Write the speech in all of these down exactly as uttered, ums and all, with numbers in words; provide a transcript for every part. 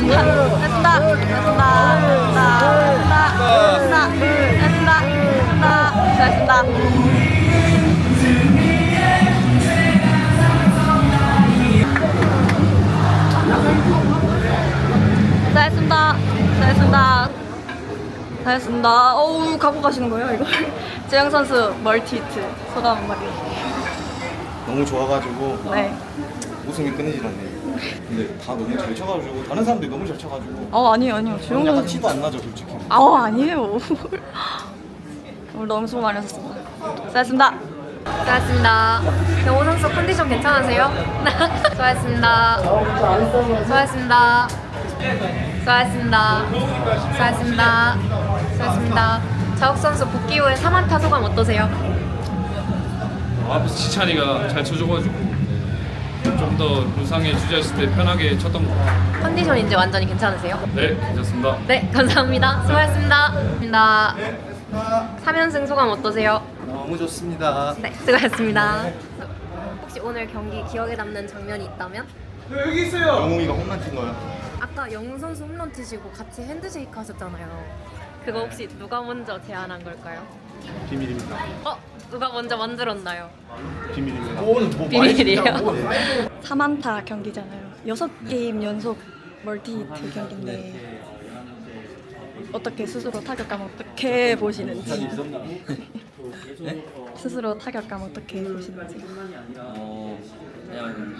됐습니다. 됐습니다. 됐습니다. 됐습니다. 됐습니다. 됐습니다. 됐습니다. 됐습니다. 됐습니다. 됐습니다. 어우, 갖고 가시는 거예요, 이거? 재영 선수 멀티 히트 소감 한마디. 너무 좋아가지고 네. 우승이 끊이질 않네요. 근데 다 너무 잘 쳐가지고 다른 사람들이 너무 잘 쳐가지고 어, 아니에요, 아니에요. 재영 약간 선수. 티도 안 나죠, 솔직히. 아, 아니에요. 오늘 너무 수고 많으셨습니다. 수고하셨습니다. 수고하셨습니다. 경호 선수 컨디션 괜찮으세요? 수고하셨습니다. 수고하셨습니다. 수고하셨습니다. 수고하셨습니다. 수고하셨습니다. 자욱 선수 복귀 후에 삼 안타 소감 어떠세요? 어, 앞에서 지찬이가 잘 쳐줘가지고 좀 더 무상에 주저했을 때 편하게 쳤던 것 같아요. 컨디션 이제 완전히 괜찮으세요? 네, 괜찮습니다. 네, 감사합니다. 수고하셨습니다. 감사합니다. 삼 연승 소감 어떠세요? 너무 좋습니다. 네, 수고하셨습니다. 혹시 오늘 경기 기억에 남는 장면이 있다면? 영웅이가 홈런 친 거야. 아까 영웅 선수 홈런 치시고 같이 핸드쉐이크 하셨잖아요. 그거 혹시 누가 먼저 제안한 걸까요? 비밀입니다. 어? 누가 먼저 만들었나요? 비밀입니다. 비밀이에요? 삼 안타 경기잖아요. 여섯 게임 연속 멀티 히트 경기인데 어떻게 스스로 타격감 어떻게 보시는지. 네? 스스로 타격감 어떻게 보시는지. 어 그냥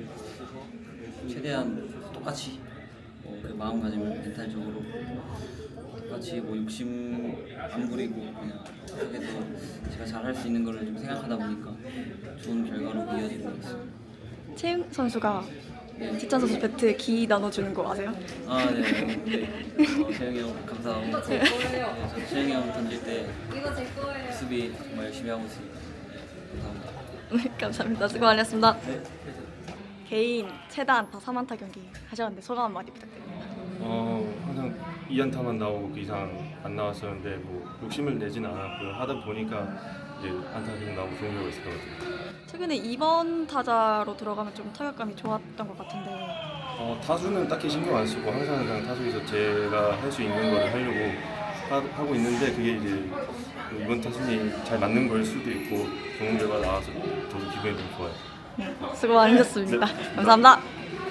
최대한 똑같이 뭐 그 마음가짐을 멘탈적으로 똑같이 뭐 욕심 안 부리고 그냥 계속해서 제가 잘할 수 있는 거를 좀 생각하다 보니까 좋은 결과로 이어지는 것 같습니다. 채영 선수가 지찬 선수 배트에 기 나눠주는 거 아세요? 아 네. 어, 재영이 형 감사하고 네, 저 재영이 형 던질 때 수비 정말 열심히 하고 있습니다. 감사합니다. 네, 감사합니다. 수고 많으셨습니다. 개인 최다 안타 삼 안타 경기 하셨는데 소감 한마디 부탁드립니다. 어 항상 이 안타만 나오고 그 이상 안 나왔었는데 뭐 욕심을 내지는 않았고요. 하다 보니까 이제 안타 계속 나오고 좋은 결과 있었던 것 같아요. 최근에 이 번 타자로 들어가면 좀 타격감이 좋았던 것 같은데. 어, 타수는 딱히 신경 안 쓰고 항상 그냥 타수에서 제가 할 수 있는 걸 하려고 하, 하고 있는데 그게 이제 이번 타순이 잘 맞는 걸 수도 있고 좋은 결과 나와서 저도 기분이 좀 좋아요. 네, 수고 많으셨습니다. 감사합니다.